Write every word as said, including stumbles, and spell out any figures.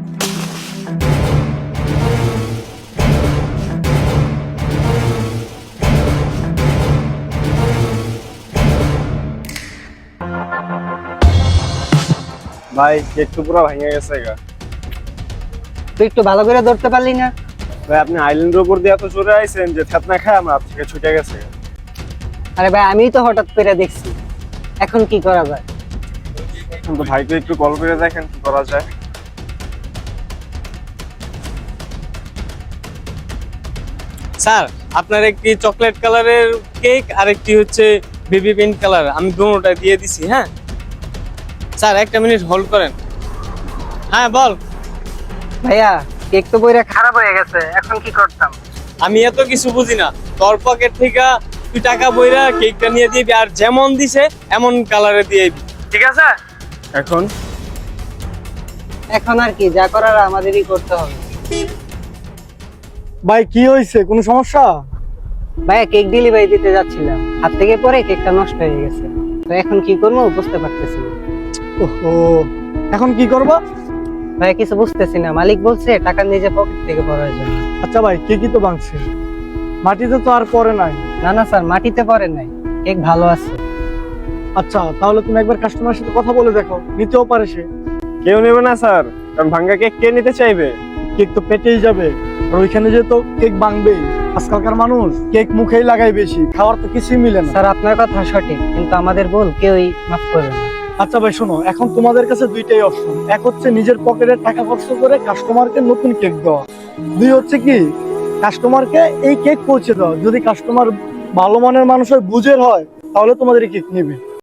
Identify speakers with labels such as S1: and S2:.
S1: ভাই কেক তো পুরো ভেঙে গেছে গা।
S2: তুই একটু ভালো করে ধরতে পারলি না?
S1: ভাই আপনি আইল্যান্ডের উপর দিয়ে এত জোরে আইছেন যে থেতনা খায় আমার হাত থেকে ছুটে গেছে গা।
S2: আরে ভাই আমিই তো হঠাৎ করে দেখছি, এখন কি করা যায়?
S1: এখন তো ভাইকে একটু কল করে দেখেন কি করা যায়।
S3: স্যার আপনার একটি চকলেট কালারের কেক আর একটি হচ্ছে বেবি পিঙ্ক কালার, আমি দুটোটা দিয়ে দিছি। হ্যাঁ স্যার একটা মিনিট হোল্ড করেন। হ্যাঁ বল।
S2: ভাইয়া কেক তো বইরা খারাপ হয়ে গেছে, এখন কি করতাম?
S3: আমি এত কিছু বুঝি না, তোর পকেট থেকে তুই টাকা বইরা কেকটা নিয়ে দিবি, আর যেমন দিছে এমন কালারে দিয়ে দিবি, ঠিক আছে?
S1: এখন
S2: এখন আর কি, যা করার আমাদেরই করতে হবে।
S4: ভাই কি হয়েছে, কোনো সমস্যা?
S2: ভাইয়া কেক ডেলিভারি দিতে যাচ্ছিলাম, হাত থেকে পরে কেকটা নষ্ট হয়ে গেছে, তো এখন কি করবো বুঝতে পারতেছি না।
S4: ওহো, এখন কি করবা?
S2: ভাইয়া কিছু বুঝতেছি না, মালিক বলছে টাকা নিজে পকেট থেকে পড়ার জন্য।
S4: আচ্ছা ভাই, কেকই তো ভাঙছে, মাটিতে তো আর পড়ে নাই।
S2: না না স্যার, মাটিতে পড়ে নাই, কেক ভালো আছে।
S4: আচ্ছা তাহলে তুমি একবার কাস্টমারের সাথে কথা বলে দেখো, নিতেও পারে সে।
S1: কেউ নেবে না স্যার, কারণ ভাঙ্গা কেক কে নিতে চাইবে?
S4: কেক তো পেটেই যাবে, আর ওইখানে যে তো কেক ভাঙবেই। আজকালকার মানুষ কেক মুখেই লাগায় বেশি, খাওয়ার তো কিছুই মিলে না।
S2: স্যার আপনার কথা সঠিক, কিন্তু আমাদের ভুল কেউই মাফ করবে না।
S4: আচ্ছা ভাই শোনো, এখন তোমাদের কাছে দুইটাই অপশন। এক হচ্ছে নিজের পকেটের টাকা খরচ করে কাস্টমারকে নতুন কেক দেওয়া, দুই হচ্ছে কি কাস্টমারকে এই কেক পৌঁছে দেওয়া। যদি কাস্টমার ভালো মানের মানুষ হয়, বুঝের হয়, তাহলে তোমাদের এই কেক নেবে।